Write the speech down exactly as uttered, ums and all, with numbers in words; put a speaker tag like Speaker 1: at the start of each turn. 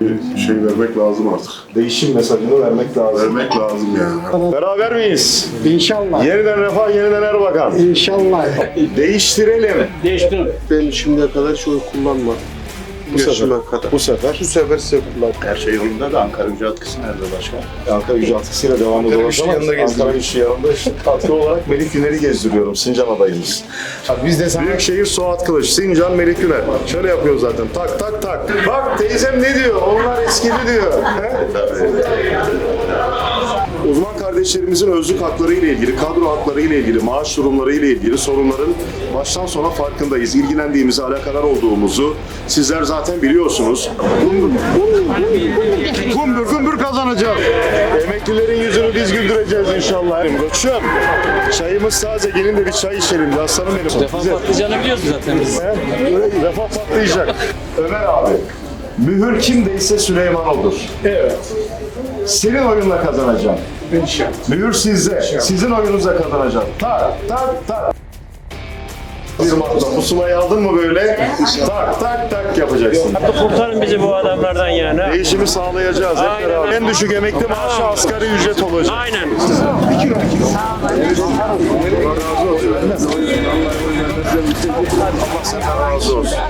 Speaker 1: Bir şey vermek lazım artık.
Speaker 2: Değişim mesajını vermek lazım.
Speaker 1: Vermek lazım yani.
Speaker 2: Beraber miyiz?
Speaker 3: İnşallah.
Speaker 2: Yeniden Refah, yeniden Erbakan.
Speaker 3: İnşallah.
Speaker 2: Değiştirelim.
Speaker 3: Değiştirin.
Speaker 4: Ben şimdiye kadar hiç oy kullanmadım.
Speaker 2: Bu sefer.
Speaker 4: Yaşıma kadar.
Speaker 2: Bu sefer.
Speaker 4: Bu sefer size kullandım.
Speaker 5: Her şey yolunda da Ankara gücü atkısı nerede başkan?
Speaker 2: Ankara gücü atkısıyla devam
Speaker 4: Ankara
Speaker 2: ediyoruz
Speaker 4: gücü
Speaker 2: ama
Speaker 4: yanında
Speaker 2: Ankara
Speaker 4: gezdiriyorum.
Speaker 2: gücü yanında işte katkı olarak Melik Güner'i gezdiriyorum. Sincan adayımız. Biz de sana... Büyükşehir Suat Kılıç, Sincan Melik Güner. Şöyle yapıyor zaten. Tak tak tak. Bak teyzem ne diyor? Onlar eskidi diyor. He? Uzman kardeşlerimizin özlük hakları ile ilgili, kadro hakları ile ilgili, maaş durumları ile ilgili sorunların baştan sona farkındayız. İlgilendiğimizi, alakadar olduğumuzu sizler zaten biliyorsunuz. Gümbür gümbür kazanacağız. Emeklilerin yüzünü biz güldüreceğiz inşallah. Koçum, çayımız taze. Gelin de bir çay içelim. Aslanım benim.
Speaker 6: Refah patlayacağını biliyoruz zaten biz.
Speaker 2: He? Refah patlayacak. Ömer abi, mühür kimdeyse Süleyman odur. Evet. Senin oyunla kazanacağım. İnşallah. Mühür sizde. Sizin oyunuzla kazanacağım. Tak tak tak. Bir matla pusulayı aldın mı böyle tak tak tak yapacaksın.
Speaker 6: Kurtarın bizi bu adamlardan yani.
Speaker 2: Değişimi sağlayacağız hep
Speaker 6: Aynen.
Speaker 2: beraber. En düşük emekli maaşı asgari ücret olacak.
Speaker 6: Aynen.
Speaker 2: Allah razı olsun.